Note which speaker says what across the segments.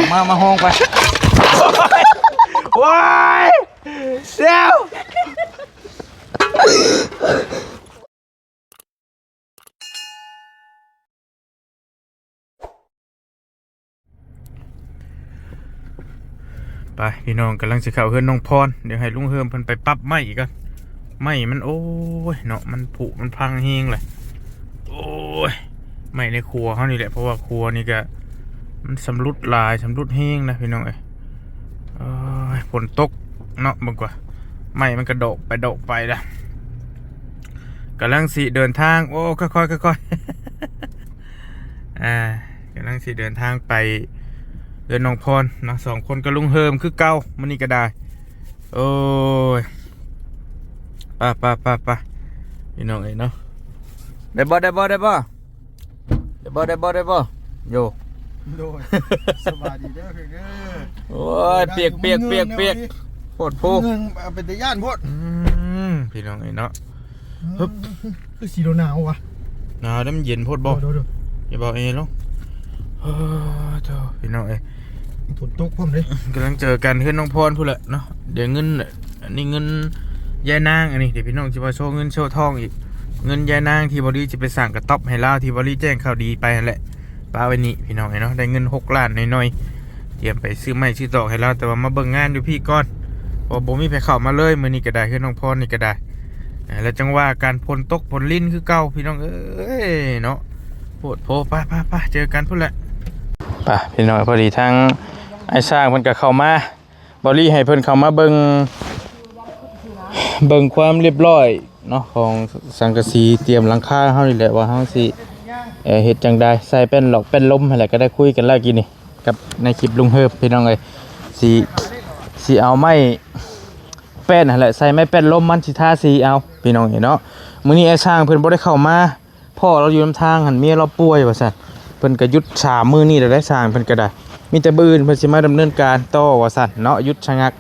Speaker 1: มาห้องไปว้ายเดี๋ยวไปพี่น้องกำลังสิเข้าเฮือนน้องพรเดี๋ยวให้ลุงเฮิมเพิ่นไปปรับไม้กันไม้มันโอ้ยเนาะมันผุมันพังเฮงเลยโอ้ยไม้ในครัวเขานี่แหละเพราะว่าครัวนี่ก็มันสำรุดลายสำรุดเฮงนะพี่น้องฝนตกเนาะมึงกว่าไม้มันกระโดดไปละกำลังสิเดินทางโอ้ค่อยๆกำลังสิเดินทางไปเดินน้องพรเนาะ2 คนกับลุงเฮิมคือเก่ามันนี่ก็ได้โอ้ยไปพี่น้องเนาะได้บ่โย
Speaker 2: โดยสบายดีเด้อคือ
Speaker 1: โอ้ยเปียกโพดโพ
Speaker 2: เงินเป็นตะย่านโพด
Speaker 1: พี่น้องเนาะ
Speaker 2: คือสีหนาวว่ะ
Speaker 1: หนาวน้ำเย็นโพดบ่อย่าบอกลงพี่น้อง
Speaker 2: ฝนตกพร้อมเลย
Speaker 1: กำลังเจอกันเพื่อนน้องพรพูดแหละเนาะเดี๋ยวเงินอันนี้เงินยายนางอันนี้เดี๋ยวพี่น้องจะมาโชว์เงินโชว์ทองอีกเงินยายนางที่บริจะไปสั่งกระต๊อบให้เล่าที่บริแจ้งข่าวดีไปนั่นแหละป้าไว้นี่พี่น้องเนาะได้เงิน6 ล้านน้อยเตรียมไปซื้อไม้ซื้อตอกให้เล่าแต่ว่ามาเบิ่งงานอยู่พี่ก่อนพอบ่มีไปเข้ามาเลยมื้อนี้ก็ได้เพื่อนน้องพรนี่ก็ได้แล้วจังว่าการพลตกพลลิ้นคือเก่าพี่น้องเนาะโพดโพไปเจอกันพูดแหละป่ะพี่น้องพอดีทั้งไอ้สร้างเพิ่นก็เข้ามาบริให้เพิ่นเข้ามาเบิ่งความเรียบร้อยเนาะของสังกะสีเตรียมหลังคาเฮานี่แหละว่าเฮาสิเฮ็ดจังได๋ใส่เป็นหลอกเป็นลมนั่นแหละก็ได้คุยกันแล้วกินนี่กับในคลิปลุงเฮิบพี่น้องเอ้ยสิเอาไม้แป้นนั่นแหละใส่ไม้แป้นลมมันสิทาสีเอาพี่น้องเนาะมื้อนี้ไอ้สร้างเพิ่นบ่ได้เข้ามาพ่อเราอยู่นำทางหั่นเมียเราป่วยว่าซั่นเพิ่นก็หยุด3 มื้อนี้ได้สร้างเพิ่นก็ได้มีแต่บื้นเพิ่นสิมาดำเนินการต่อว่าซั่นเนาะหยุดชะงัก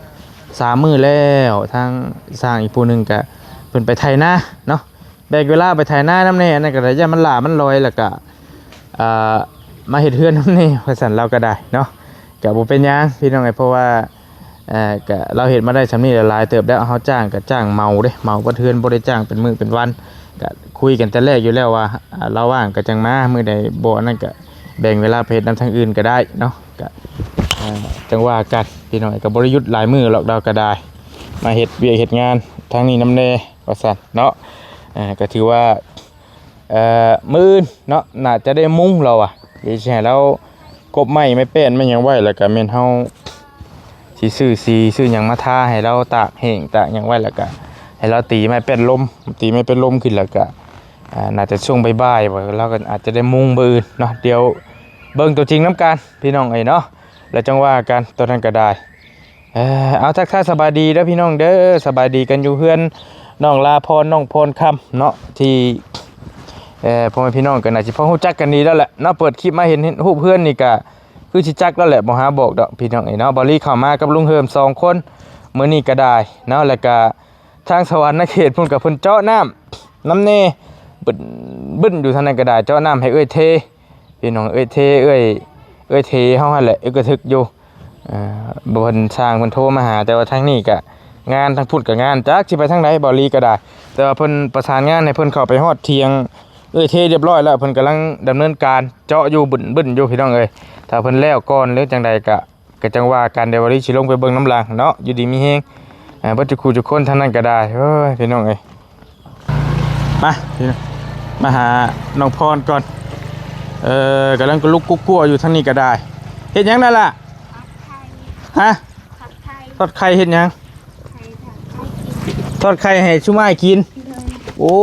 Speaker 1: 3 มื้อแล้วทางสร้างอีกผู้นึงก็เพิ่นไปไถนาเนาะแบกเวลาไปไถนานำแน่นั่นก็ได้ย่ามันหลามันลอยแล้วก็มาเฮ็ดเฮือนนำแน่ว่าซั่นเราก็ได้เนาะก็บ่เป็นหยังพี่น้องเพราะว่าก็เราเฮ็ดมาได้ซำนี้หลายเติบแล้วเฮาจ้างก็จ้างเมาเด้เมาบ่เทือนบ่ได้จ้างเป็นมื้อเป็นวันก็คุยกันแต่แรกอยู่แล้วว่าเราว่างก็จังมามื้อใดบ่นั่นก็แบ่งเวลาไปเฮ็ดนำทางอื่นก็ได้เนาะก็จังว่ากันพี่น้องก็บ่ได้หยุดหลายมื้อหรอกเราก็ได้มาเฮ็ดเวียกเฮ็ดงานทางนี้นำแน่ว่าซั่นเนาะก็ถือว่ามื้อเนาะน่าจะได้มุ้งเราเดี๋ยวสิให้เรากบไม้ไม่แป้นไม่หยังไว้แล้วก็แม่นเฮาสิซื้อหยังมาทาให้เราตากแห้งตากหยังไว้แล้วก็ให้เราตีไม้เป็นลมขึ้นแล้วก็น่าจะช่วงบ่ายๆว่าเราก็อาจจะได้มุงมื้ออื่นเนาะเดี๋ยวเบิ่งตัวจริงน้ำกันพี่น้องเนาะแล้วจังว่ากันตัวนั้นก็ได้เอาทักทายสบายดีเด้อพี่น้องเด้อสบายดีกันอยู่เฮือนน้องลาพรน้องพรคำเนาะที่พ่อแม่พี่น้องก็น่าสิพอรู้จักกันดีแล้วแหละเนาะเปิดคลิปมาเห็นรูปเพื่อนนี่ก็คือสิจักแล้วแหละบ่หาบอกดอกพี่น้องเนาะบอลลี่เข้ามากับลุงเฮิม2 คนมื้อนี้ก็ได้เนาะแล้วก็ทางสวรรค์เขตพุ่นกับเพิ่นเจาะน้ำเน่บึ้นอยู่ทางนั้นก็ได้เจาะน้ำให้เทพี่น้องเทเทเฮาหั่นแหละก็ทึกอยู่บ่เพิ่นสร้างเพิ่นโทรมาหาแต่ว่าทางนี้ก็งานทางพุ่นก็งานจักสิไปทางใดบอลลี่ก็ได้แต่ว่าเพิ่นประสานงานให้เพิ่นเข้าไปฮอดเที่ยงเทเรียบร้อยแล้วเพิ่นกำลังดำเนินการเจาะอยู่บึ้นอยู่พี่น้องถ้าเพิ่นแล้วก่อนหรือจังใดก็จังว่าการเดวอรี่สิลงไปเบิ่งน้ำลางเนาะอยู่ดีมีแฮงบ่จะคู่ทุกคนทางนั้นก็ได้เฮ้ยพี่น้องมาพี่น้องมาหาน้องพรก่อนกำลังลุกกุ๊กๆอยู่ทางนี้ก็ได้เฮ็ดหยังนั่นล่ะฮะทอดไข่เฮ็ดหยังทอดไข่ให้ชุม่ายกินโอ้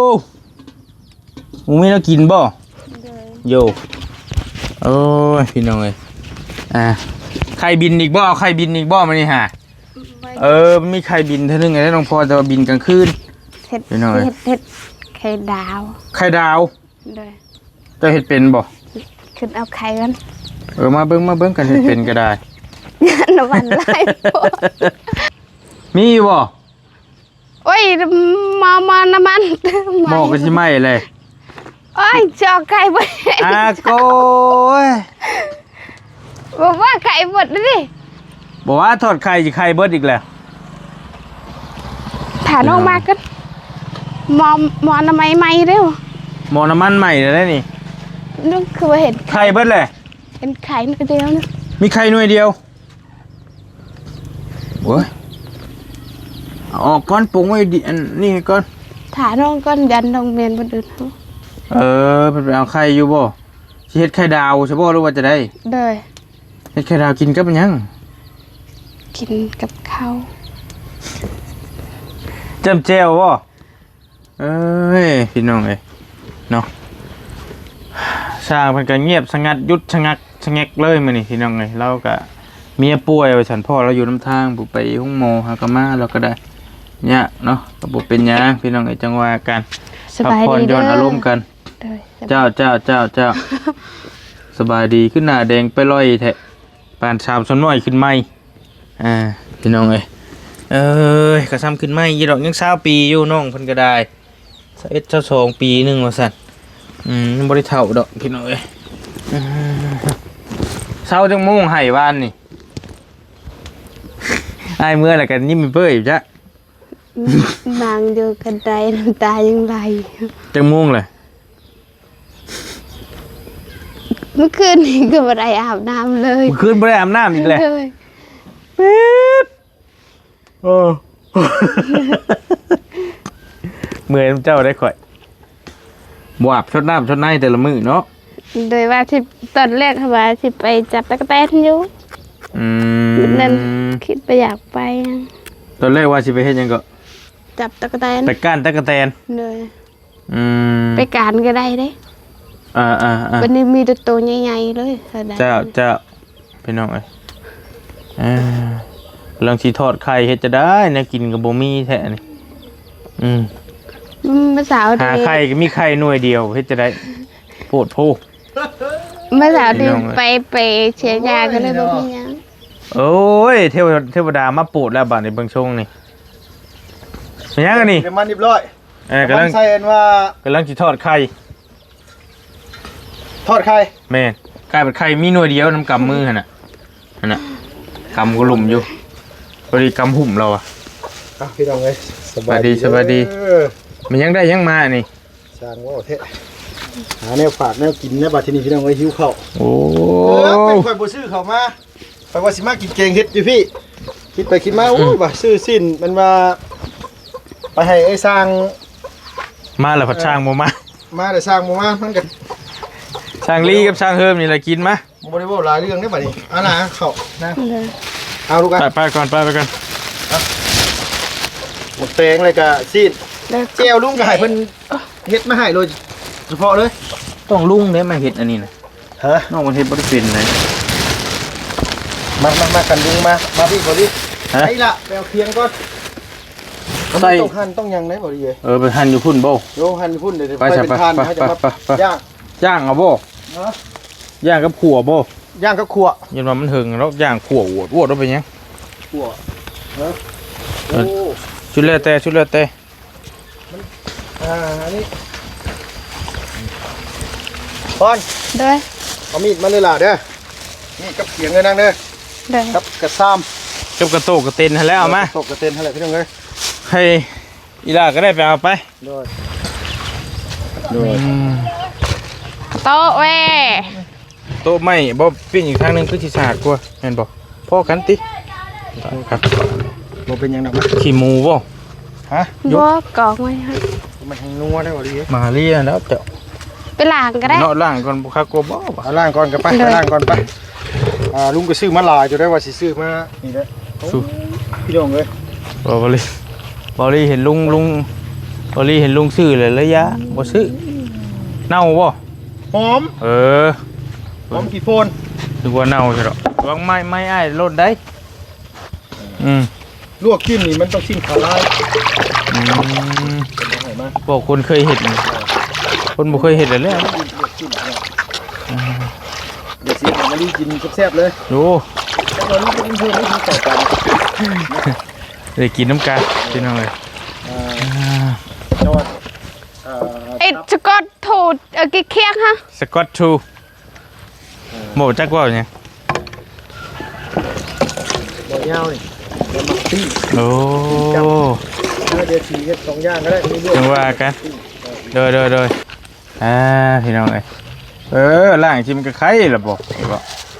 Speaker 1: มึงไม่ต้องกินบ่โยโอ้ยพี่น้องไข่บินอีกบ่เอาไข่บินอีกบ่มานี่ฮะมีไข่บินเท่านึงไงน้องพอจะบินกลางคืนพี่น้อง
Speaker 3: เห็ดไข่ดาว
Speaker 1: จะเห็ดเป็นบ่
Speaker 3: ขึ้นเอาไข่กัน
Speaker 1: มาเบิ้งกันเห็ดเป็นก็ได้
Speaker 3: น้ำมันไล่
Speaker 1: มีบ่
Speaker 3: โอ้ยมาน้ำมัน
Speaker 1: หม้อก็ใช่ไหมเลย
Speaker 3: โอ้ยจอไก่ไป
Speaker 1: โก้ย
Speaker 3: บอกว่าไข่หมดเลยดิ
Speaker 1: บอกว่าทอดไข่สิไข่เบิดอีกแล้ว
Speaker 3: ถาน้องมากันมอทำไมไม่เร็ว
Speaker 1: หม้อน้ำมันใหม่เลยนะนี่
Speaker 3: นึกคือว่าเห็น
Speaker 1: ไข่เบิดเลย
Speaker 3: เห็นไข่นิดเดียวนะ
Speaker 1: มีไข่หน่วยเดียวโอ้ยเอาออกก้อนปรุงไว้ดิอันนี่ก่อน
Speaker 3: ถาน้องก้อนยันน้องเมียนบนอื่นเขา
Speaker 1: เพิ่นไปเอาไข่อยู่บ่สิเฮ็ดไข่ดาวใช่บ่หรือว่าจะได้
Speaker 3: เลย
Speaker 1: เฮ็ดไข่ดาวกินกับหยัง
Speaker 3: กินกับข้าว
Speaker 1: จำแจ่วบ่เอ้ยพี่น้องเอ้ยเนาะสร้างเพิ่นก็เงียบสงัดหยุดชะงักชะแงกเลยมื้อนี้พี่น้องเอ้ยเราก็เมียป่วยว่าฉันพ่อเราอยู่นำทางผู้ไปห้องหมอหาก็มาเราก็ได้เนี่ยเนาะก็บ่เป็นหยังพี่น้องเอ้ยจังว่ากัน
Speaker 3: สบาย
Speaker 1: พักผ่อน
Speaker 3: ดี
Speaker 1: หย่อนอารมณ์กัน
Speaker 3: เลย
Speaker 1: เจ้า สบายดีขึ้นหน้าแดงไปลอยแทะปานชามสนน้อยขึ้นไหมพี่น้องเอ้ยกระซ้ำขึ้นไหมยี่ดอกยัง20 ปีอยู่น้องเพิ่นก็ได้22 ปีหนึงว่าซั่นยังบ่ได้เฒ่าดอกพี่น้องเอ้ยเช้าจังโมงให้วานนี่อ้ายเมื่อแล้วกันยิ้มเปื้อยอยู่จ้ะ
Speaker 3: นางอยู่กันไดน้ำตายังไหล
Speaker 1: จังโมงเลย
Speaker 3: เมื่อคืนนี้ก็ไม่ได้อาบน้ำเลย
Speaker 1: เมื่อคืนบ่ได้อาบน้ำอีกแล้ว
Speaker 3: เลย
Speaker 1: ปี๊ดโอ้ เมื่อยน้ำเจ้าได้ข่อยบวบชดน้ำชดในแต่ละมื้อเนาะ
Speaker 3: โดยว่าที่ตอนแรกเขาว่าที่ไปจับตะกั่วแตนอยู่นั่นคิดไปอยากไป
Speaker 1: ตอนแรกว่าสิไปเฮ็ดหยังก็
Speaker 3: จับตะกั่วแตน
Speaker 1: ไปก้านตะกะแตน
Speaker 3: เลย
Speaker 1: ไป
Speaker 3: ไปการก็ได้เด้ วันนี้มีตัวใหญ่ๆเลย
Speaker 1: เจ้าพี่น้องเอ้ยเรื่องสิทอดไข่เฮ็ดจะได้แนวกินก็บ่มีแท้นี่
Speaker 3: เมื่อสาว
Speaker 1: หาไข่ก็มีไข่หน่วยเดียวเฮ็ดจะได้โพดโพ
Speaker 3: เมื่อสาวที่ไปเชียร์ยาก็เลยบอกมีหยัง
Speaker 1: โอ้ยเทวดามาโปรดแล้วบัดนี้เบิ่งชงนี่เป็นหยังกันนี่
Speaker 2: เดี๋ยวมันเรียบร้อย
Speaker 1: กำลัง
Speaker 2: ใส่อันว่าก
Speaker 1: ำลังสิทอดไข่
Speaker 2: ทอดไข่
Speaker 1: แม่นไก่เป็นไข่มีหน่วยเดียวน้ำกำมือหั่นน่ะกำก็หลุมอยู่พอดีกำหุ่มเราอ่ะ
Speaker 2: พี่น้องเอ้ย
Speaker 1: สบายดี มันยังได้ยังมานี่
Speaker 2: สร้างว่าเทะหาแนวฝากแนวกินนะบัดทีนี้พี่น้องเอ้ยหิวข้าว
Speaker 1: โอ้
Speaker 2: เป็นข่อยบ่ซื้อข้าวมาไปว่าสิมากินแกงเฮ็ดอยู่พี่คิดไปคิดมาโอ้ว่าซื้อสิ้นมันว่าไปให้ไอ้สร้าง
Speaker 1: มาแล้วผัดช่างบ่มา
Speaker 2: มาแต่สร้างบ่มามันก็
Speaker 1: ช่างลีกับช่างเฮิมนี่แหละกินมา
Speaker 2: บ่ได้เว้าหลายเรื่องได้บัดนี้เอาล่ะข้าวนะ
Speaker 3: เลย
Speaker 2: เอาลูกอ่ะ
Speaker 1: ไปก่อน
Speaker 2: หมดแปลงเลยก็สิ้น
Speaker 3: แล้ว
Speaker 2: แก้วลุงก็ให้เพิ่นเฮ็ดมาให้โดยเฉพาะเลย
Speaker 1: ต้องลุงเด้มาเฮ็ดอันนี้นะ
Speaker 2: ฮะ
Speaker 1: น้องมันเฮ็ดบ่ได้เป็นเลย
Speaker 2: มากันลุงมาพี่บ่ดิ
Speaker 1: ฮะ
Speaker 2: ไอ้ล่ะไปเอาเคียงก่อน
Speaker 1: ใส่
Speaker 2: ต้องหั่นต้องหยังได้บ่ดีเอ้ย
Speaker 1: ไปหั่นอยู่พุ่นบ่
Speaker 2: โยหั่นพุ่นเดี๋ยว
Speaker 1: ไป
Speaker 2: เป็นทาน
Speaker 1: ไป
Speaker 2: ให้จะมา
Speaker 1: ไป
Speaker 2: ย่าง
Speaker 1: ย่างเอาบ่
Speaker 2: เนาะ
Speaker 1: ย่างกับขั่วบ่
Speaker 2: ย่างกับขั่ว
Speaker 1: ยันว่ามันหึงแล้วย่างขั่วอวดเอาไปยัง
Speaker 2: ขั่วเนาะ
Speaker 1: เอ
Speaker 2: โอ้
Speaker 1: อ ชุดแล้วแต่
Speaker 2: อันนี้พอน
Speaker 3: เลย
Speaker 2: เอามีดมาเลยล่ะเด้อนี่กับเขียงเลยนางเด้อ
Speaker 3: เลย
Speaker 2: กับกระซ้ำ
Speaker 1: กับกระโตกกระเต็นให้แล้วเอามา
Speaker 2: ตกกระเต็นเท่าไหร่พี่น้องเอ้ย
Speaker 1: ให้อีลาก็ได้ไปเอาไป
Speaker 2: โดย
Speaker 3: โต๊ะเว้ย
Speaker 1: โต๊ะไม่บ่ปิ้งอีกทางหนึงคือสิสะอาดกว่าแม่นบ่พ่อกันติครับ
Speaker 2: บ่เป็นหยังดอกนะ
Speaker 1: ขี้หมูบ่
Speaker 2: ฮะ
Speaker 3: บัวกองไว้ให้
Speaker 2: มันให้นัวได้บ่ดีเอ้ย
Speaker 1: มาเรียแล้วเจ้า
Speaker 3: ไปล้างก็ได้
Speaker 1: เนาะล่างก่อนบ่คักกลัวบ่
Speaker 2: เอาล่างก่อนกันไป
Speaker 3: เลย
Speaker 2: ล่างก่อนไปลุงก็ซื้อมาหลายจะได้ว่าสิซื้อมานี่เด้อโอ้พี่น้องเอ้ย
Speaker 1: บ่ลีเห็นลุงบ่ลีเห็นลุงซื้อเลยระยะบ่ซื้อเน่าบ่
Speaker 2: หอม
Speaker 1: เออ
Speaker 2: หอมกี่โฟน
Speaker 1: นึกว่าเน่าใช่ดอกวางไม้อ้ายลดได้
Speaker 2: ลวกจิ้มนี่มันต้องจิ้มขาลาย
Speaker 1: บอกคนเคยเห็นคนบ่เคยเห็นเลย
Speaker 2: ลวกจิ้มเดี๋ยวสิเอามาลีกินแซ่บๆเลย
Speaker 1: ดู
Speaker 2: แล้วเราลูกกินเพิ่มไม่กินต่อกัน
Speaker 1: ได้กินน้ำกันพี่น้องเลย
Speaker 2: จังหวัด
Speaker 3: ไอ้สกอตถูดกี่เคียงฮะ
Speaker 1: สกอตทูโหมจักว่าเนี่ย
Speaker 2: บ่ยาวนี่แล้วมักปิ้ง
Speaker 1: โอ้
Speaker 2: เดี๋ยวสีเฮ็ด2อย่างก็ได้มีเรื่อง
Speaker 1: จังว่ากันโดยพี่น้องเอ้ยล่างชิมนก็ไข่ล่ะบ่เห็นบ่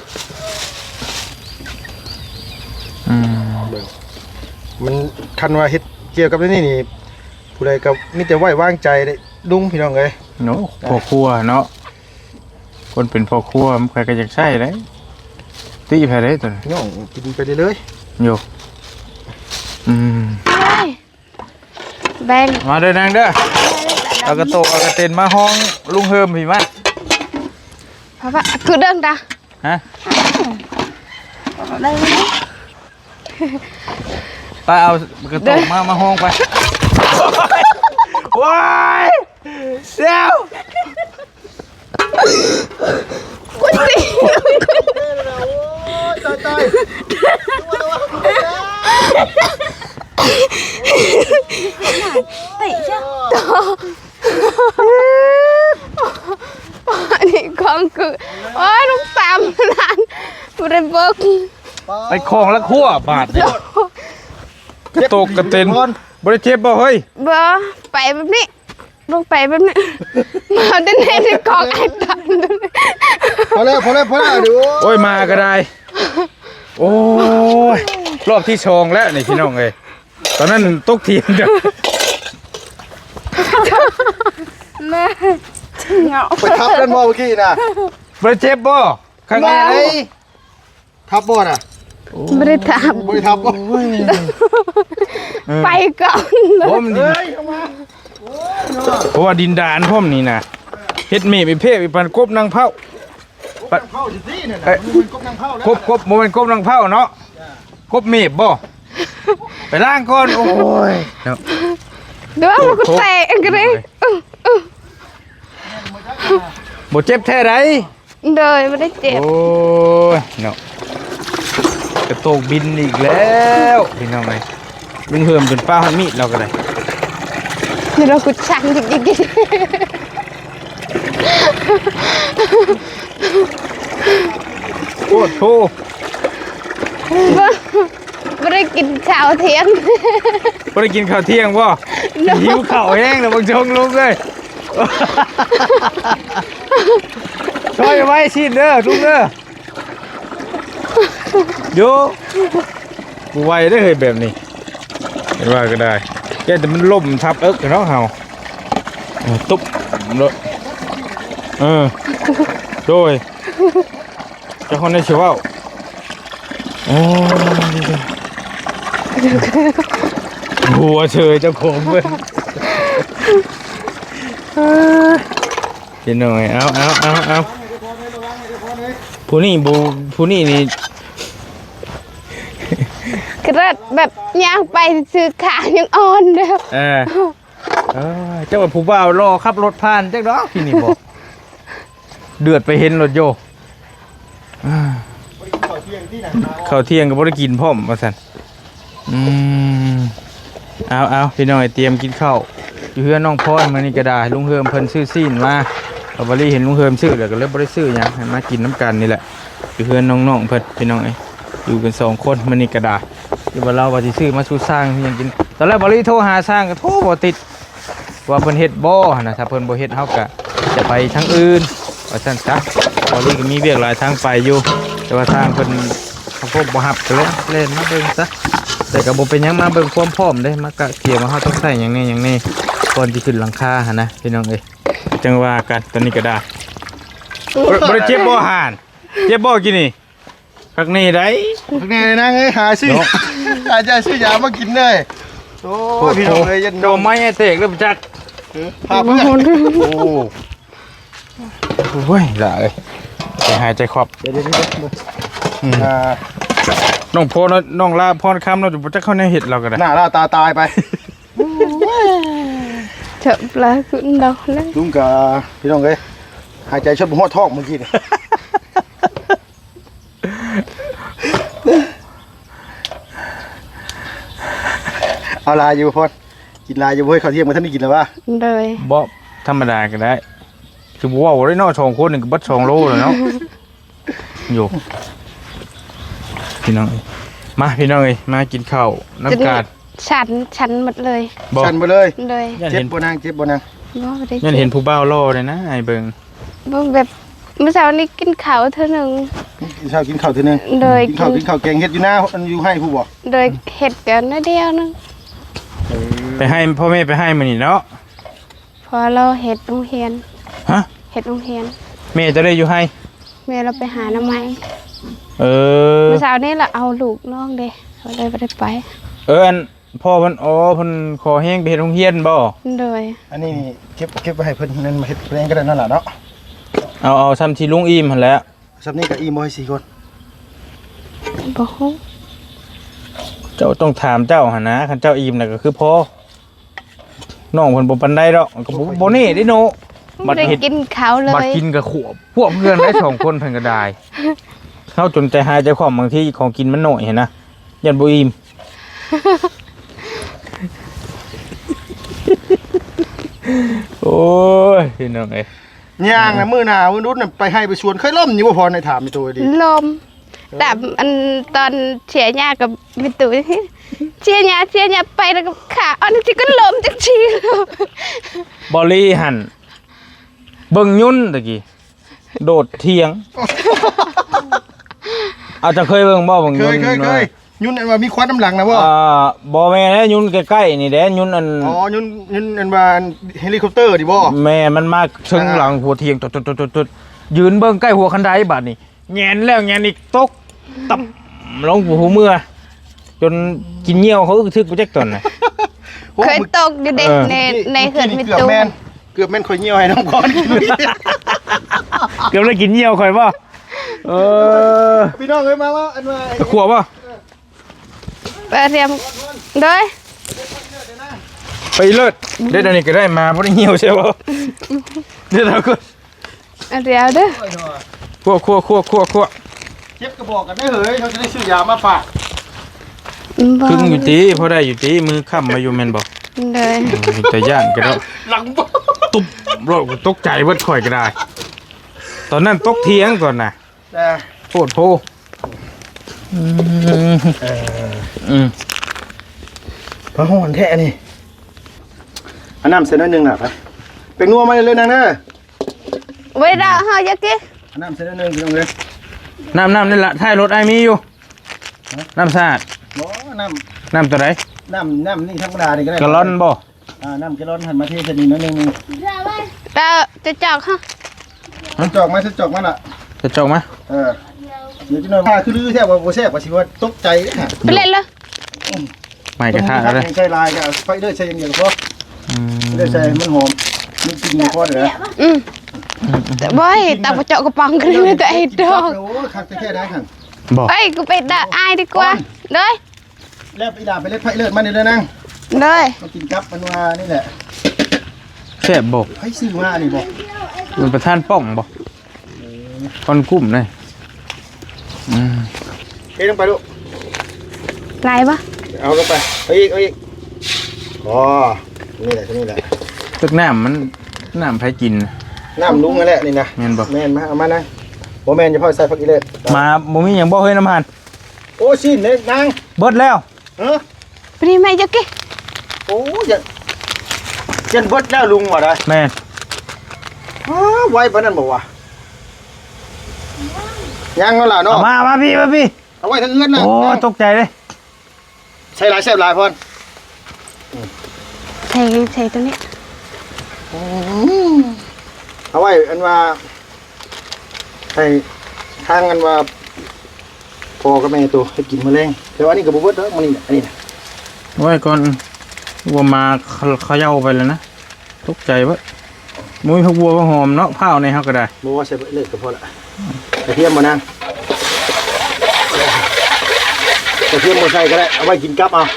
Speaker 1: ม
Speaker 2: มันคันว่าเฮ็ดเกี่ยวกับนี่นี่ผู้ใดก็มีแต่ไว้วางใจได้ลุงพี่น้องเอ้ย
Speaker 1: เนาะพ่อครัวเนาะคนเป็นพ่อครัวมันใครก็อยากใช้ได้ตีไผได้ตัวนี้
Speaker 2: น้องกินไปเรื่อย
Speaker 1: โยอืม
Speaker 3: แบง
Speaker 1: มาเด้อนางเด้อเอากระโตกเอากระเต็นมาห้องลุงเฮิมพี่มา
Speaker 3: เพราะว่าคือเดินตา
Speaker 1: ฮะ
Speaker 3: เดิน
Speaker 1: ไปเอากระโตกมาห้องไปว้ายเดี๋ยว
Speaker 3: คุณตี
Speaker 2: ตาย
Speaker 3: ตีเจ้าอันนี้ของคือโอ้ยลูกสามล้านบริเวณ
Speaker 1: ไปคลองละขั้วบาทเนี่ยกระโตกกระเต็นบริเจ็บบ่เฮ้ย
Speaker 3: เบอไปแบบนี้ลงไปแบบนี้มาเดินเล่นในกองไอ้ตัน
Speaker 2: พอแล้วเดี๋ยว
Speaker 1: โอ้ยมาก็ได้โอ้ยรอบที่ชงแล้วนี่พี่น้องเอ้ยตอนนั้นตกทีมเด้อ
Speaker 3: แม่เหงา
Speaker 2: ไปทับกันบ่เมื่อกี้น่ะ
Speaker 1: บริเจ็บบ่ข้างใน
Speaker 2: เฮ้ยทับบ่น่ะ
Speaker 3: ไม่ได้ท
Speaker 2: บ่ได้ทับบ่
Speaker 3: ำไปก่อนเลย
Speaker 1: ผมเพราะว่าดินดานพ่อมนี่นะเฮ็ดเมฆอีเพศอีปันกบนางเผา
Speaker 2: เข้าสิเนี่ยนะมันกบนางเข้าแล้ว
Speaker 1: กบโมเป็นกบนางเผาเนาะกบเมฆบ่ไปล้างก่อนโอ้ยเนาะ
Speaker 3: เดี๋ยวมันก็แตกกันเลย
Speaker 1: บ่เจ็บแท้ไร
Speaker 3: เดยไม่ได้เจ็บ
Speaker 1: โอ้ยเนาะกระโตกบินอีกแล้วพี่น้องไงลุงเฮิมจนป้าหันมีดเราก็ได้
Speaker 3: เดี๋ยวเรากุดชันจริง
Speaker 1: โอ้โธ
Speaker 3: ๆไม่ได้กินข้าวเที่ยง
Speaker 1: บ่ได้กินข้าวเที่ยงบ่หิวข้าวแห้งแล้วบางชงลุงเลยช่วยไว้สิเด้อลุงเด้อโยกูไว้ได้เฮ้ยแบบนี้เห็นว่าก็ได้แกแต่มันล่มทับเอิกเนาะเฮาตุ๊บเลยโดยเจ้าคนได้ชื่อว่าโอ้หัวเชยเจ้าของเว้ยเดี๋ยวหน่อยเอาผู้นี่นี่
Speaker 3: กระดแบบย่างไปซื้อขายังอ่อนเด้อ
Speaker 1: เจ้าว่าผู้บ่าวรอขับรถผ่านจักดอกที่นี่บอกเดือดไปเห็นรถโยข้าวเที่ยงก็บ่ได้กินพร้อมว่าซั่นเอาพี่น้อยเตรียมกินข้าวอยู่เฮือนน้องพรมื้อนี้ก็ได้ลุงเฮิมเพิ่นซื้อซีนมาเอาบ่ได้เห็นลุงเฮิมซื้อแล้วก็เลยบ่ได้ซื้อหยังให้มากินน้ำกันนี่แหละอยู่เฮือนน้องๆเพิ่นพี่น้องเอ้ยอยู่กัน2คนมื้อนี้ก็ได้ที่ว่าเราว่าสิซื้อมาสู่สร้างยังกินตอนแรกบ่ได้โทรหาสร้างก็โทรบ่ติดว่าเพิ่นเฮ็ดบ่หั่นน่ะถ้าเพิ่นบ่เฮ็ดเฮาก็จะไปทางอื่นว่าซั่นซะบ่ได้ก็มีเวียกหลายทางไปอยู่แต่ว่าทางเพิ่นเขาพบบ่ฮับก็เลยเล่นมาเบิ่งซะแต่ก็บ่เป็นหยังมาเบิ่งความพร้อมเด้มากะเกี่ยวมาเฮาต้องใช้หยังนี่ก่อนสิขึ้นหลังคาหั่นนะพี่น้องเอ้ยจังว่ากันตอนนี้ก็ได้บ่ได้เจ็บบ่ห่านเจ็บบ่กินนี่ข้างนี้ได้
Speaker 2: แน่เลยนะเอ้ยหาซื้อหาใจซื้อยามากินเลยโอ้พี่น้องเอ้ยยัน
Speaker 1: โดนไม้ไอ้เตกเริ่มจัก
Speaker 2: พาเพื่อน
Speaker 1: โอ้ยละเอ้ยใจหายใจครอบ
Speaker 2: เดี๋ยว
Speaker 1: น้องโพน้องลาพรคำเราจะจักเข้าในเห็ดเราก็ได้
Speaker 2: หน้าล่าตาตายไป
Speaker 3: เฉบปลาขึ้นดอกเลย
Speaker 2: ลุงกับพี่น้องเอ้ยหายใจชดหัวท้องเมื่อกี้นี่เอาลายอยู่พ่อกินลายอยู่เว้ยข้าวเที่ยงมาท่านได้กินแล้ววะ
Speaker 3: เลย
Speaker 1: บ่ธรรมดาก็ได้คือบอกว่าได้นอชองคนหนึ่งก็บัด2 โลเลยเนาะอยู่พี่น้องมาพี่น้องเอ้ยมากินข้าวน้ำกาด
Speaker 3: ฉันหมดเลย
Speaker 1: บอก
Speaker 2: ชันไปเลย
Speaker 3: เลย
Speaker 1: ยัน
Speaker 2: เจ็
Speaker 1: เห็
Speaker 2: บ
Speaker 1: น
Speaker 2: บ่นางเจ็บบ่นาง
Speaker 3: บ่ได้
Speaker 1: ยันเห็นผู้บ่าวล่อเลยนะไอ้เบิง
Speaker 3: บ่แบบเมื่อเช้านี้กินข้าวเท่านึง
Speaker 2: กินข้าวกินข้าวทีนึง
Speaker 3: โดย
Speaker 2: กินข้าวแกงเฮ็ดอยู่หน้าอันอยู่ให้ผู้บ่
Speaker 3: โดยเห็ดกันนิดเดียวนึง
Speaker 1: ไปให้พ่อแม่ไปให้มันนี่เนาะ
Speaker 3: พอเราเห็ดโรงเรียน
Speaker 1: ฮะ
Speaker 3: เห็ดโรงเรียน
Speaker 1: แม่จะได้อยู่ให้
Speaker 3: แม่เราไปหาหน้ำไม้
Speaker 1: เออ
Speaker 3: เมื่อเช้านี้เราเอาลูกน้องเด้เราเลยไม่ได้ไป
Speaker 1: อันพ่อเพิ่นอ๋อเพิ่นขอแห้งไปเฮ็ดโรงเรียนบ่
Speaker 3: โดย
Speaker 2: อันนี้นี่เก็บไว้ให้เพิ่นนั่นมาเฮ็ดเองก็ได้นั่นล่ะเนาะ
Speaker 1: เอาซ้ำที่ลุงอิ่มหั่นแหละ
Speaker 2: ซับนี้ก็อีโมให้4คน
Speaker 3: บ่ฮู้
Speaker 1: เจ้าต้องถามเจ้าหั่นนะคันเจ้าอิ่มน่ะก็คือพ่อน้องเพิ่นบ่ปานใดดอกก็บ่นี่เด้โน
Speaker 3: ไม่ได้กินข้าวเล
Speaker 1: บัด
Speaker 3: ย
Speaker 1: กินกับขวบพวกเพื่อนได้สองคนเพิ่นก็ได้เข้าจนใจหายใจคว่ำบางทีของกินมันหน่อยเห็นนะยันบ่อิ่ม โอ้ยพี่น้องเอ้ย
Speaker 2: ย่างน่ะมื้อหน้ามื้อนู้นน่ะไปให้ไปชวนเคยล่มอยู่บ่พอในถามในตัวดี
Speaker 3: ลมแต่อันตอนเชียร์ยากับมิตุเชียร์ยาไปแล้วก็ขาอันนี้ก็ลมจังชีเลย
Speaker 1: บอลลี่หันเบิ่งยุ่นตะกี้โดดเทียง อาจจะเคยเบิ่งบ่เบิ่ง
Speaker 2: เค
Speaker 1: ยุ่น
Speaker 2: ยยุ่นอันว่ามีควันน้ำหลังนะบ่
Speaker 1: บ่แม่นแล้วยุ่นใกล้ๆนี่แหละยุ่นอัน
Speaker 2: อ๋อยุ่นอันว่าเฮลิคอปเตอร์ดิบ่
Speaker 1: แม่มันมาเชิงหลังหัวเทียงตดๆๆๆยืนเบิ่งใกล้หัวคันไดบัดนี่แงนแล้วแงนอีกตกตับลงหัวเมื่อจนกินเหยี่ยวเขาอึกทึกบ่จักตอนน่ะ
Speaker 3: เคยตกอยู่เด็กในเขื่อนมิ
Speaker 2: เกือบ
Speaker 3: ตุ
Speaker 2: แม่นข่อยเหี่ยวให้น้องก่อน
Speaker 1: เกือบได้กินเหยี่ยวข่อยบ่
Speaker 2: พี่น้องเอ้ยมาว่าอันว่า
Speaker 1: ตะขวบบ่
Speaker 3: ไปเรียมโดย
Speaker 1: ไปเลิศได้อันนี้ก็ได้มาบ่ได้เหยี่ยวใช่บ่เดี๋ยวเราก็
Speaker 3: เรียวเด้อ
Speaker 1: คั่ว
Speaker 2: เจ็บกระบอกกันได้เฮ้ยเขาจะได้ซื้อยามาฝาก
Speaker 3: บ่
Speaker 1: ครึ่งอยู่ติพอได้อยู่ติมือค้ำมาอยู่แม่นบ่
Speaker 3: เลย
Speaker 1: แต่ย่านก็แล้ว
Speaker 2: หลังบ่
Speaker 1: ตุ๊บรถตกใจเบิดข่อยก็ได้ ตอนนั้นตกเถียงก่อนน่ะ
Speaker 2: แต่
Speaker 1: โพดโพอืม
Speaker 2: พระหอนแท้นี่อันน้ำเส้นน้อยนึงน่ะไปเป็นนัวมาเลยนางเด้อ
Speaker 3: ไว้ดาวเฮาอยากกิน
Speaker 2: อันน้ำเส้นน้อยนึงพี่น้องเลย
Speaker 1: น้ำนี่ละท้ายรถไอ้มีอยู่น้ำสะอาด
Speaker 2: บ่น้
Speaker 1: น้ำตัวไหน
Speaker 2: ำนี่ธรรมดานี่ก็ได้
Speaker 1: กะลอนบ่
Speaker 2: น้ำกะลอนหันมาเทใส่นี่น้อยนึง
Speaker 3: ดาวจะจอกฮะ
Speaker 2: จอกมาล่ะ
Speaker 1: จะจงไหม
Speaker 2: เดี๋ยวจะหน่อยว่าคือลือแท้ว่าบ่แซ่บว่าสิว่าตกใจเด้อ
Speaker 3: ไปเล่นเลย
Speaker 1: ไม่กระทะแล้วเลย
Speaker 2: ใช้ลายก็ไฟเด้อใช้อย่างเดียวก็พอเด้อใช้มันหอมมันกินพอเด้อ
Speaker 3: แต่บ่อยตาประเจาะกระป๋องกันเลยตัวเองดอก
Speaker 2: โอ้คักแท้ได้คั่น
Speaker 1: บอก
Speaker 3: เอ้ยกูไปด่าอายดีกว่าเลย
Speaker 2: แล้วไปด่าไปเล็ดไผเลิศมานี่เด้อนั่ง
Speaker 3: เลย
Speaker 2: มากินกับมันว่านี่แหละ
Speaker 1: แซ่บบอก
Speaker 2: ไผซื้อมานี่บ่
Speaker 1: มันประธานป้องบอกคนกุ้มเลยอืม
Speaker 2: เฮ้ยลงไปลูก
Speaker 3: ไรปะ
Speaker 2: เอาลงไปเอาอีกอ๋อนี่แหละนี่แหละ
Speaker 1: ตึกน้ำมันน้ำไผกิน
Speaker 2: น้ำลุงนั่นแหละนี่นะ
Speaker 1: แม่นบ่
Speaker 2: แม่นมาเอามานั่งบ่แม่นจะพ่อใส่ผักอีเล็ด
Speaker 1: มาบ่มีหยังบ่เฮ้ยน้ำหัน
Speaker 2: โอ้ชิ้นเด้นาง
Speaker 1: เบิดแล้ว
Speaker 3: ไปนี่ไม่จะกิน
Speaker 2: โอ้ยยันเบิดแล้วลุงว่าได้
Speaker 1: แม่น
Speaker 2: ไว้ปานนั้นบ่วะยังเอาล่ะเนาะ
Speaker 1: เอามาพี่
Speaker 2: เอาไว้ทางเอื้อนน่ะ
Speaker 1: โอ้ตกใจเลย
Speaker 2: ใช้หลายแซ่บหลายพอน
Speaker 3: ใส่ตัวนี้
Speaker 2: เอาไว้อันว่าให้ทางอันว่าพ่อกับแม่ตัวให้กินแมลงแต่ว่านี่ก็บ่เบิดเด้อมื้อนี้อันนี้น่ะ
Speaker 1: ไว้ก่อนวัวมาเขย่าไปแล้วนะตกใจวะมุ้ยพวกวัวก็หอมเนาะผ้าในเฮาก็ได้
Speaker 2: บ่ว่าใส่เบิดเลยก็พอละกระเทียมบ่นางกระเทียมบ่ใส่ก็ได้เอาไว้กินกับเอา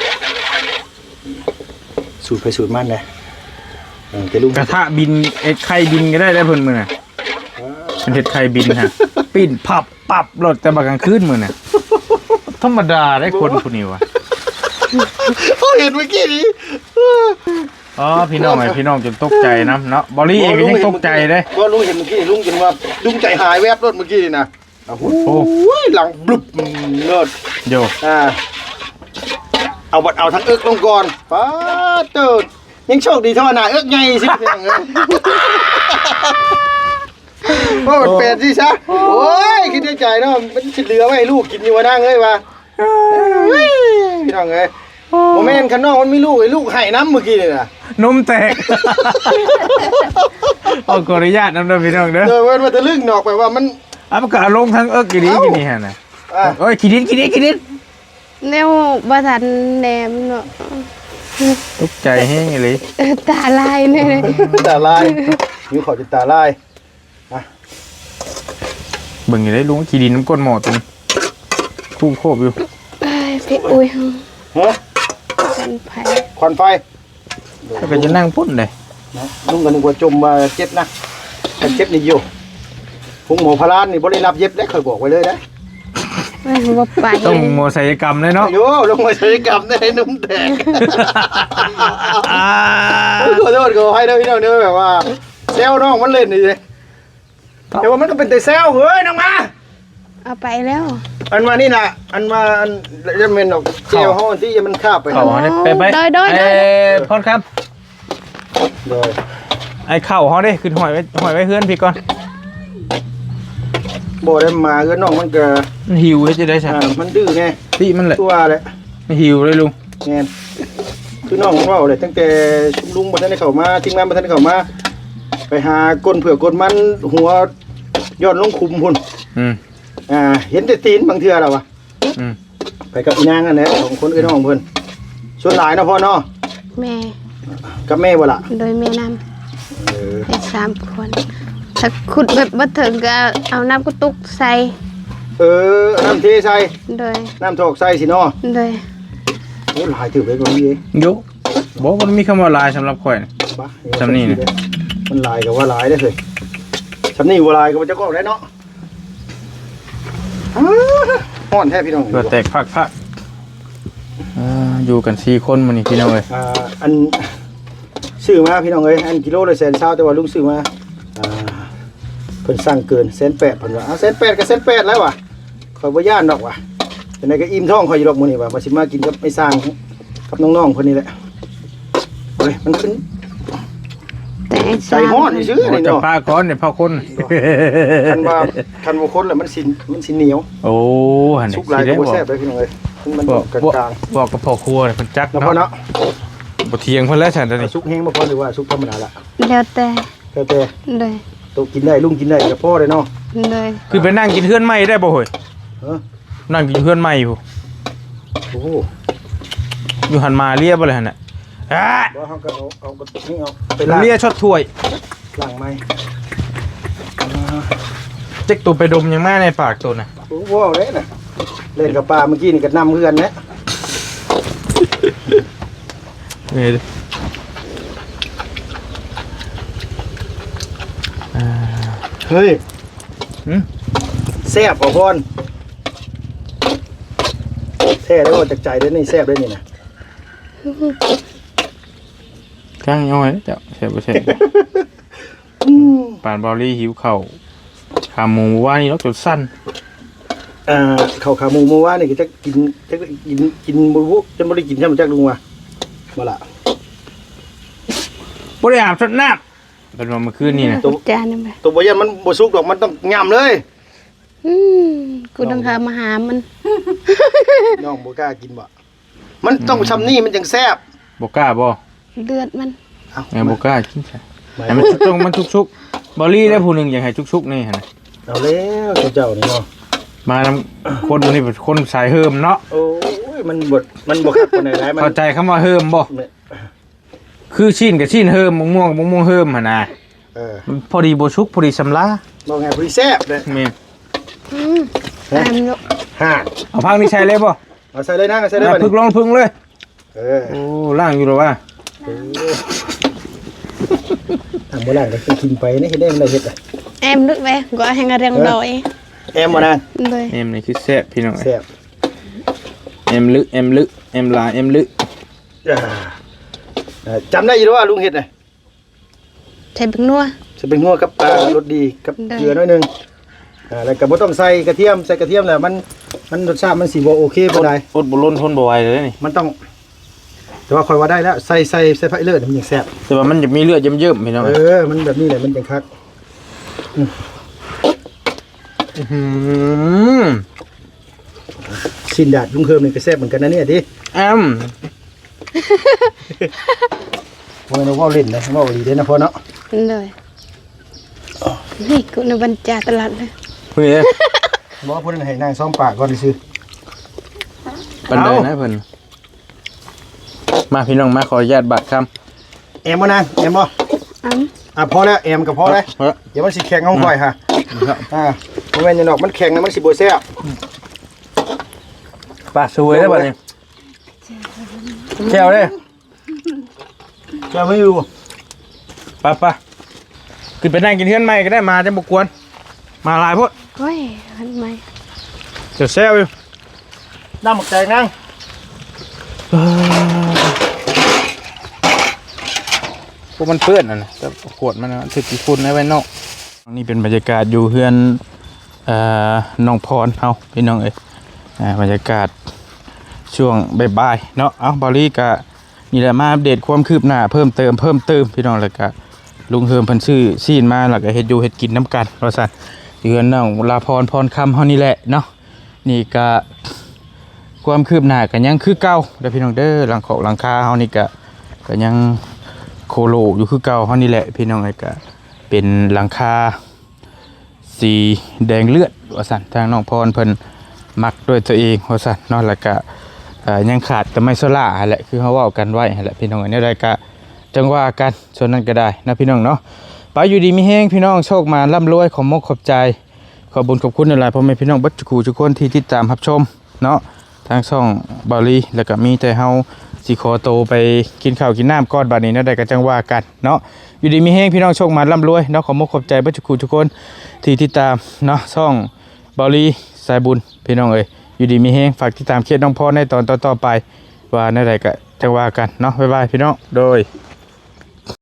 Speaker 2: สูตรไปสูตรมันเลยจะลุง
Speaker 1: กระทะบินเอ็ดไข่บินก็ได้เพิ่นมื้อน่ะเป็นเฮ็ดไข่บินฮะปิ้นพับปับรถแต่บักกลางคืนมื้อน่ะธรรมดาได้คนผู้นี้วะ
Speaker 2: เขาเห็นเมื่อกี้นี้
Speaker 1: อ๋อพี่น้องจนตกใจนะเนาะบอลลี่เองก็ยังตกใจเลย
Speaker 2: ว่าลุงเห็นเมื่อกี้ลุงจนว่าลุงใจหายแวบรถเมื่อกี้นี่นะโอ้โหหลังบลุบโลด
Speaker 1: โย
Speaker 2: เอาทั้งเอิกลงก่อนป้าเติดยังโชคดีเท่าหน้าเอิกไงสิเพียงโอ้มันเป็ดสิซะโอ้ยคิดในใจเนาะมันสิเหลือไว้ให้ลูกกินอยู่ว่านั่งเอ้ยว่าพี่น้องเอ้ยโมเมนต์ข้างนอกมันมีลูกไอ้ลูกไห้น้ำเมื่อกี้นี่น่ะ
Speaker 1: นมแตกขออนุญาตนำเด้อพี่น้องเด้อ
Speaker 2: เดี๋ยวมันจะลึกนอกไปว่ามัน
Speaker 1: มันก็ลงทั้งเอิกกี่ดีกี่นี่ฮะน่ะโอ้ยขี้ดิน
Speaker 3: แนวบ่ทันแนมเนาะ
Speaker 1: ตกใจแฮงเลย
Speaker 3: ตาลายเนี่ย
Speaker 2: ตาลายนิ้วขอจะตาลาย
Speaker 1: เบิ่งอยู่ได้ลุงขี้ดินน้ำก้นหม้อตรงคู่โคบอยู่
Speaker 3: พี่อุ้ย
Speaker 2: ฮะ
Speaker 3: กันไผ
Speaker 2: ควันไฟ
Speaker 1: ถ้าก็จะนั่งพุ่นเลย
Speaker 2: ลุงก็นึกว่าจมมาเจ็บนะแต่เจ็บนี่อยู่พุงหมอพลานนี่บริรับเย็บได้เคยบอกไว้เลยนะ
Speaker 3: ไม่ว่าไป
Speaker 1: ต้องโมศัลยกรรมเลยเนาะ
Speaker 2: โย่ลงมาใช้กรรมได้นุ่มแตกขอโทษขอให้นะพี่น้องเนื้อแบบว่าเซลน้องมันเล่นนี่เลยแต่ว่ามันก็เป็นแต่เซลเฮ้ยน้องมา
Speaker 3: เอาไปแล้ว
Speaker 2: อันมานี่นะอันมาอันจะเป็นดอกเจลห้องที่มันคาบไป
Speaker 1: เขาเนี่ยไปพอดครับ
Speaker 2: เลย
Speaker 1: ไอ้เข่าเขาดิขึ้นหอยไว้เฮือนพี่ก่อน
Speaker 2: โบได้มาก็น้องมันก็
Speaker 1: มันหิวให้จะได้ใช่
Speaker 2: มันดื้อไง
Speaker 1: พี่มันแหละ
Speaker 2: ตัวเลย
Speaker 1: ไม่หิวเลยลุง
Speaker 2: เงี้ยคือน้องของเราเลยตั้งแต่ชุมลุงมาท่านได้เข้ามาทีมงานมาท่านได้เข้ามาไปหาก้นเผือกก้นมันหัวยอดลงคุมพุ่นเห็นแต่ตีนบางเทื่อแล้ววะไปกับอีนางอันนี้สองคนกับน้องเพิ่นส่วนหลายนะพ่อเนาะ
Speaker 3: แม่
Speaker 2: กับแม่บ่ล่ะ
Speaker 3: โดยแม่นำให้3คนถ้าขุดแบบบ่ถึงก็เอาน้ำกุตุกใส่
Speaker 2: น้ำเทใส่
Speaker 3: โดย
Speaker 2: น้ำถอกใส่สิเนาะ
Speaker 3: โดย
Speaker 2: โอ้หลายถือไปกว่านี้เอง
Speaker 1: ยุบอกมันมีคำว่าลายสำหรับข่อย
Speaker 2: บ้า
Speaker 1: จำนี่นะ
Speaker 2: มันหลายกับว่าหลายได้เลยจำนี่ว่าหลายกับว่าจะก็ได้เนาะฮ้อนแท้พี่น้อง
Speaker 1: เกิดแตกพักอยู่กัน4 คนมันนี่พี่น้องเลย
Speaker 2: อันซื้อมาพี่น้องเอ้ยอันกิโลละ120,000แต่ว่าลุงซื้อมาเพิ่นสั่งเกิน180,000เพิ่นว่า180,000ก็180,000แล้วว่ะข่อยบ่ย่านดอกว่ะจังได๋ก็อิ่มท้องข่อยอยู่ดอกมื้อนี้ว่ะบ่สิมากินกับไอ้สร้างกับน้องๆเพิ่นนี่แหละเฮ้ยมันขึ้น
Speaker 3: แต่ไอ้
Speaker 2: ใจฮ้อนซื่อๆนี่
Speaker 1: จะ
Speaker 2: เนาะ
Speaker 1: พาก้อนเนี่ยพาคน
Speaker 2: คันว่าคนแล้วมันสิเหนียว
Speaker 1: โอ้หัน
Speaker 2: สุกหลายก็บ่แซ่บเลยพี่น้องเอ้ยมันกลาง
Speaker 1: บอกกับพ่อครัวเพิ่นจัก
Speaker 2: ๆแล้วพอ
Speaker 1: เนาะ
Speaker 2: เนาะ
Speaker 1: บ่เที่ยงเพิ่นแล้วฉันตอนนี้
Speaker 2: สุกแห้งบ่พอหรือว่าสุกธรรมดาล่ะ
Speaker 3: แล้วแต่
Speaker 2: แต่
Speaker 3: โดย
Speaker 2: โตกินได้ลุงกินได้ก็พอเลยเนาะ
Speaker 3: โดย
Speaker 1: คือไปนั่งกินเฮือนใหม่ได้บ่เฮ้ย นั่งกินเฮือนใหม่อยู่
Speaker 2: โอ้โห
Speaker 1: อยู่หันมาเรียบบ่เลยหั่นน่ะอ่ะ
Speaker 2: บ่เฮาก็เอาก็นี่เอาไปล้าง
Speaker 1: เรียช็อตถ้วย
Speaker 2: ล้างไม้
Speaker 1: เจ๊กตัวไปดมยังมาในปากตัวน่ะ
Speaker 2: โอ้โหเลยน่ะเล่นกับปลาเมื่อกี้นี่ก็นำเพื่อนนะ เฮ้ยแซ่บบ่พรแท้แล้วว่าจากใจเด้อนี่แซ่บเด้อนี่นะ
Speaker 1: ข้างย่อยเจ้าเสร็จบ่เสร็จปานบอลลี่หิวข้าวขาหมูว่านี่เนาะจนสั้น
Speaker 2: ข้าวขาหมูเมื่อวานนี่ก็จะกินบ่รู้จะบ่ได้กินใช่มั้ยจักลุงว่าบ่ล่ะ
Speaker 1: บ่ได้อาบสดน้ำเป็นว่าเมื่อคืนนี่นะ
Speaker 3: จานนึงไป
Speaker 2: ตัวบ่ยันมันบ่สุกดอกมันต้องย่ำเลย
Speaker 3: กูต้องหามาหามัน
Speaker 2: น้องบ่กล้ากินบ่มันต้องซำนี่มันจังแซ่บ
Speaker 1: บ่กล้าบ่
Speaker 3: เลือดมัน
Speaker 2: เอ้า
Speaker 1: แม่บ่กล้ากินใช่ให้มันต้องมันชุกๆบอลลี่ได้ผู้หนึงอยากให้ชุกๆนี่หั่นน่ะ
Speaker 2: เอาแล้วเจ้านี่เนาะ
Speaker 1: มานำคนนี่เป็นคนสายเฮิมเนาะ
Speaker 2: โอ้ยมันบ่คักปานใดหลายมัน
Speaker 1: เข้าใจคำว่าเฮิมบ่
Speaker 2: เนี่ย
Speaker 1: คือชิ้นกับชิ้นเฮิมมะม่วงกับมะม่วงเฮิมหั่นน่ะ มันพอดีบ่ชุกพอดีสำลา
Speaker 2: บ่ไงพอดีแซ่บเลย
Speaker 1: แม่น
Speaker 3: ตามลูก
Speaker 2: ฮ่า
Speaker 1: เอาพักนี่ใช้เลยบ่
Speaker 2: เอาใส่เลยนะเอาใส่เลย
Speaker 1: เอา
Speaker 2: บัด
Speaker 1: พึ่ง
Speaker 2: นี้
Speaker 1: ลองพึ่งเลย
Speaker 2: เออ
Speaker 1: โอ้ล่างอยู่หรอวะ
Speaker 2: ทำบ่ล่างก็กินไปนี่เฮ็ดได้มันได้เฮ็ดอ่ะ
Speaker 3: em nước về gọi hàng riêng đồi
Speaker 2: แอมบ่นาง
Speaker 3: rồi
Speaker 1: เอ็มนี่คือแซ่บพี่น้อง
Speaker 2: แซ่บ
Speaker 1: เอ็มลึเอ็มลาเอ็มลึ
Speaker 2: จำได้อยู่ว่าลุงเฮ็ดน่ะ
Speaker 3: thầy bằng nua
Speaker 2: จะเป็นงัวกับรสดีกับเกลือหน่อยนึงแล้วก็บ่ต้องใส่กระเทียมใส่กระเทียมแล้วมันรสชาติมันสิบ่โอเคบ่ได้
Speaker 1: อดบ่ล้นทนบ่ไหวเลยนี่
Speaker 2: มันต้องแต่ว่าค่อยว่าได้แล้วใส่ไฟเลือดมันยังแซ่บ
Speaker 1: แต่ว่ามันจะมีเลือดเยิ้มๆพี่น้อง
Speaker 2: มันแบบนี้แหละมันจังคัก สินดาดลุงเฮิมนี่ก็แซ่บเหมือนกันนะเนี่ยดิ โอ้ยเราเว้าเล่นนะเว้าดีเด้นะพ่อเนาะ
Speaker 3: เลยนี่กูในบรรจาตลาดเลย
Speaker 1: เฮ้ย
Speaker 2: บอกว่าเพิ่นให้นางซ้อมปากก่อนซื่อ
Speaker 1: ปันไดนะเพิ่นมาพี่น้องมาขออนุญาตบัตรค
Speaker 2: แอมบ่นางแอมบ่พอแล้วแอมก็พอแล้ว
Speaker 1: ำ
Speaker 2: เดี๋ยวมันสิแข็งเอาค่อยค่ะบ่แม่นจังดอกมันแข็งนะมันสิบ่แซ่บ
Speaker 1: ปลาสวยได้ป่ะนี่แก้วเลย
Speaker 2: จะไม่อยู่
Speaker 1: ปะขึ้นไปนั่งกินเทือนใหม่ก็ได้มาจะบกวนมาหลายพวก
Speaker 3: โอ้ยมันไม่
Speaker 1: เดี๋ยวแซวอยู่
Speaker 2: น้ำหมกแตงนั่ง
Speaker 1: พวกมันเปื้อนนะแต่ขวดมันถึกกี่ฝุ่นไว้นอกนี่เป็นบรรยากาศอยู่เฮือนน้องพรเฮาพี่น้องเอ้ยบรรยากาศช่วงบ่ายๆเนาะเอาบอลลี่กะนี่แหละมาอัปเดตความคืบหน้าเพิ่มเติมพี่น้องแล้วก็ลุงเฮิมเพิ่นซื้อซีนมาแล้วก็เฮ็ดอยู่เฮ็ดกินน้ำกันว่าซั่นเฮือนน้องลาพรพรคำเฮานี่แหละเนาะนี่ก็ความคืบหน้าก็ยังคือเก่าเด้อพี่น้องเด้อหลังคาเฮานี่ก็ยังโคโลอยู่คือเก่าเฮานี่แหละพี่น้องไอ้ก็เป็นหลังคาสีแดงเลือดว่าซั่นทางน้องพรเพิ่นมักด้วยตัวเองว่าซั่นเนาะแล้วก็ยังขาดแต่ไม้โซล่าแหละคือเขาเว้ากันไว้แหละพี่น้องอันนี้ได้ก็จังว่ากันส่วนนั้นก็ได้นะพี่น้องเนาะไปอยู่ดีมีแห้งพี่น้องโชคมาร่ำรวยขอมกขอบใจขอบุญขอบคุณหลายๆพ่อแม่พี่น้องบัดจุกูทุกคนที่ติดตามรับชมเนาะทางช่องบาลีแล้วก็มีแต่เฮาสิขอโตไปกินข้าวกินน้ำก้อนบัดนี้นะได้ก็จังว่ากันเนาะอยู่ดีมีแห้งพี่น้องโชคมาร่ำรวยเนาะขอมกขอบใจบัดจุกูทุกคนที่ติดตามเนาะช่องบาลีสายบุญพี่น้องเอ้ยอยู่ดีมีแห้งฝากติดตามเคสน้องพ่อในตอนต่อๆไปว่าในใดก็จังว่ากันเนาะบ๊ายบายพี่น้องโดย